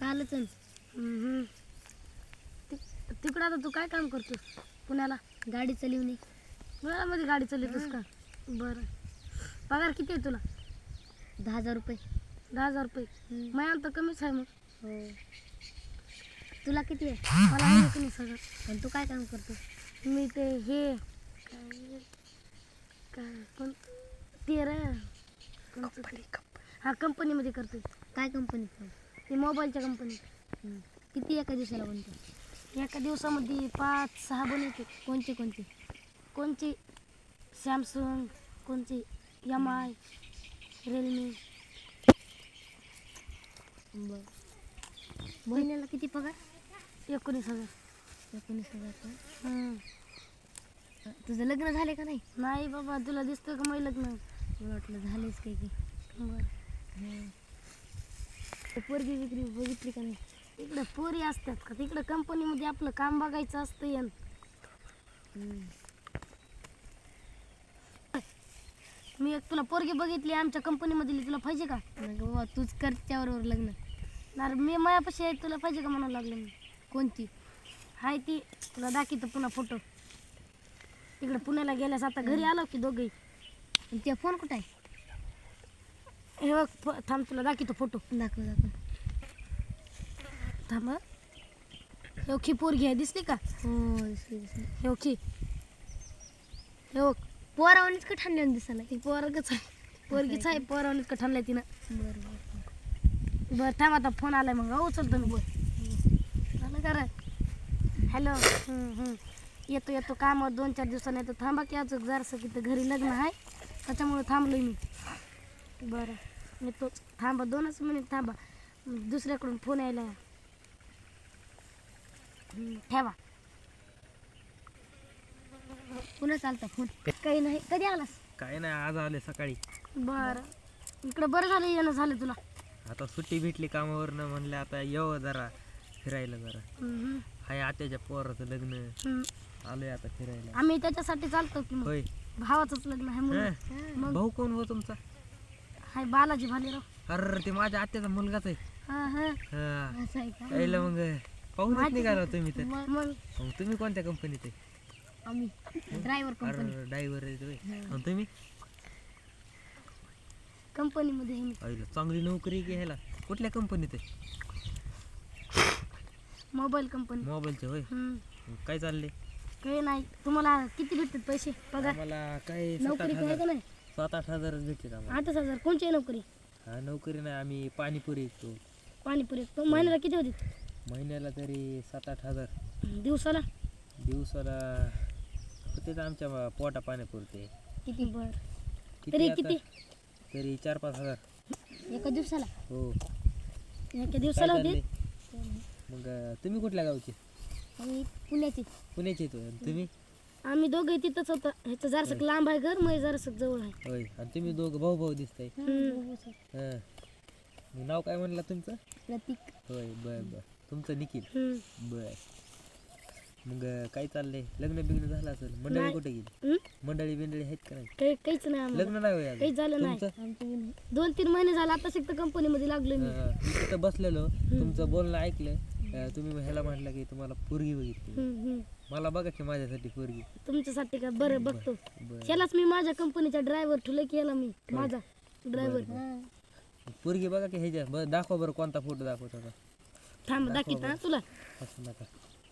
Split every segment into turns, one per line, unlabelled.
कालच
तिकडं आता तू काय काम करतोस पुण्याला?
गाडी चालवणे.
पुण्यामध्ये गाडी चालवतोस का? बरं. पगार किती आहे तुला?
10,000 रुपये.
10,000 रुपये. महिन्याला तर कमीच आहे मग.
हो. तुला किती आहे?
मला आहे कमी सगळं.
पण तू काय काम करतो?
मी ते हे काय कोण ते रे हा कंपनीमध्ये करतोय.
काय कंपनीत काम?
ते मोबाईलच्या कंपनीत.
किती एका दिवसाला बनतो?
एका दिवसामध्ये 5-6 बनवते.
कोणते कोणते?
कोणची सॅमसंग, कोणची MI, रिअलमी.
बरं. महिन्याला किती पगार?
19,000.
19,000 का? तुझं लग्न झाले का नाही?
नाही बाबा, तुला दिसतं का माझं लग्न?
मला वाटलं झालेच काही की.
बरं. पोरगी विक्री बघितली का नाही? इकडं पोरी असतात का? तिकडं कंपनीमध्ये आपलं काम बघायचं असतं यान. मी एक तुला पोरगी बघितली आमच्या कंपनीमधली, तुला पाहिजे का?
नाही बाबा, तूच कर त्याबरोबर लग्न.
नाही मी मायापाशी आहे, तुला पाहिजे का म्हणायला लागलं मी.
कोणती?
हाय ती तुला दाखवतो पुन्हा फोटो. तिकडे पुण्याला गेल्यास आता घरी आलो की दोघे.
त्या फोन कुठं आहे?
हे बघ थांब, तुला दाखवतो फोटो.
दाखव दाखव.
थांब. हे खी पोरगी आहे, दिसली का?
हो दिसली दिसली.
हे खी. हे बघ
पोरावानीच का ठाणल्यानं दिसायला?
ती पोरगच आहे, पोरगीच आहे. पोरावणीच का ठाणलंय तिनं.
बरं बरं.
बरं थांब, आता फोन आलाय मग उचलतो मी. बोल झालं का रे? हॅलो. येतो येतो कामावर 2-4 दिवसांनी येतो. थांबा की अजून जरासं की घरी लग्न आहे, त्याच्यामुळे थांबलोय मी. बरं येतोच. थांबा 2च मिनिट थांबा, दुसऱ्याकडून फोन यायला. ठेवा.
पुन्हा चालता फोन?
काही नाही. कधी आलास?
काय नाही, आज आले सकाळी.
बरं. इकडं बरं झालं येणं झालं तुला.
आता सुट्टी भेटली कामावरनं, म्हणलं आता येऊ जरा फिरायला. जरा हाय आत्याच्या पोराचं लग्न, आलोय आता फिरायला.
आम्ही त्याच्यासाठी चालतो की मग.
होय.
भावाचंच लग्न आहे म्हणून. मग
भाऊ कोण हो तुमचा?
हाय बालाजी भालेराव.
अरे ते माझ्या आत्याचा मुलगाच आहे.
हा.
हा
असं आहे का?
यायला मग पाहूनच निघाला तुम्ही तर.
मग
मग तुम्ही कोणत्या कंपनीत आहे?
आम्ही ड्रायव्हर कंपनी.
अरे ड्रायव्हर आहे तुम्ही. आणि तुम्ही?
कंपनीमध्ये आहे मी.
आईला चांगली नोकरी घ्यायला. कुठल्या कंपनीत आहे?
Mobile company.
मोबाईलचे होय. मग काय चालले?
काही नाही. तुम्हाला किती भेटतात पैसे पगार?
आम्हाला काय
नोकरी काय का नाही?
7-8 हजारच भेटले आम्हाला.
8,000. कोणची आहे नोकरी?
हा नोकरी नाही, आम्ही पाणीपुरी विकतो.
पाणीपुरी. तो महिन्याला किती होते?
महिन्याला तरी 7-8 हजार.
दिवसाला?
दिवसाला होते आमच्या पोटा पाण्यापुरते.
किती? बर.
किती
तरी
आता?
किती?
तरी 4-5 हजार.
एका दिवसाला?
हो.
एका
काय
दिवसाला होते?
चाललंय? मग तुम्ही कुठल्या गावचे?
आम्ही पुण्याची.
पुण्याचे येतो. तुम्ही?
आम्ही दोघे तिथंच होतं. ह्याचं जरासं लांब आहे घर, मग जरासं जवळ आहे.
होय. आणि तुम्ही दोघं भाऊ भाऊ दिसताय. हां. मग नाव काय म्हणला तुमचं?
प्रतीक.
होय. बर बर. तुमचं निखिल. बर. मग काय चाललंय? लग्न बिग्न झालं असेल? मंडळी
नाही.
कुठे गेली? मंडळी बिंडळी आहेत का नाही?
काहीच नाही आम्हाला.
लग्न नाही होय
काहीच झालं नाही.
तुमचं?
2-3 महिने झाले आता शिकत कंपनीमध्ये लागलोय मी.
मी तिथं बसलेलो, तुमचं बोलणं ऐकलं. तुम्ही ह्याला म्हटलं की तुम्हाला पोरगी बघितली. मला बघा की माझ्यासाठी पोरगी.
तुमच्यासाठी का? बरं बघतो.
बरं.
ह्यालाच मी माझ्या कंपनीचा ड्रायव्हर ठेवलं की ह्याला मी माझा ड्रायव्हर.
पोरगी बघा की ह्याच्या. बरं दाखवा बरं, कोणता फोटो दाखवता का?
थांब दाखवत हा तुला.
असं नका.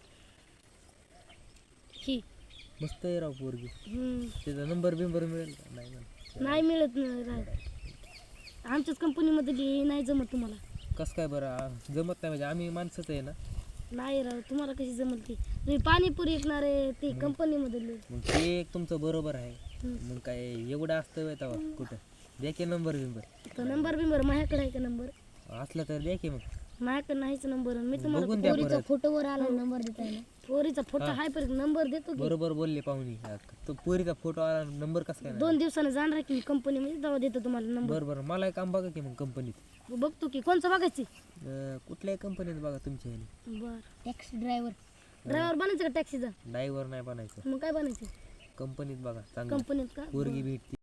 ही
मस्त आहे राव पोरगी. त्याचा नंबर बिंबर मिळेल का? नाही ना.
नाही मिळत नाही. आमच्याच कंपनीमध्ये नाही जमत तुम्हाला.
कसं काय बरं जमत नाही? म्हणजे आम्ही माणसंच आहे ना.
नाही राव, तुम्हाला कशी जमल ती? तुम्ही पाणीपुरी विकणार आहे ती कंपनीमधली.
मग ते एक तुमचं बरोबर आहे. मग काय एवढं असतं व्हय तेव्हा कुठं? द्या की नंबर बिंबर.
तो नंबर बिंबर माझ्याकडे आहे का? नंबर
असला तर द्या की. मग
माझ्याकडे नाहीच नंबर. मी
बघून
तुम्हाला
द्या
पोरीचा
परत.
फोटोवर आला नंबर देता येईल.
पोरीचा फोटो आहे पण नंबर देतो की.
बरोबर बोलले पाहुणी. तो पोरीचा फोटो आला, नंबर कसं काय?
2 दिवसाने जाणार की मी कंपनीमध्ये, तेव्हा देतो तुम्हाला नंबर.
बरं बरं. मला एक काम बघा की मग कंपनीत.
बघतो की कोणचं बघायची.
कुठल्याही कंपनीत बघा तुमच्या ह्याने.
बर.
Taxi driver.
ड्रायव्हर बनायचं का टॅक्सीचा?
ड्रायव्हर नाही बनायचं.
मग काय बनायचं?
कंपनीत बघा चांगलं.
कंपनीत का?
पोरगी भेटती.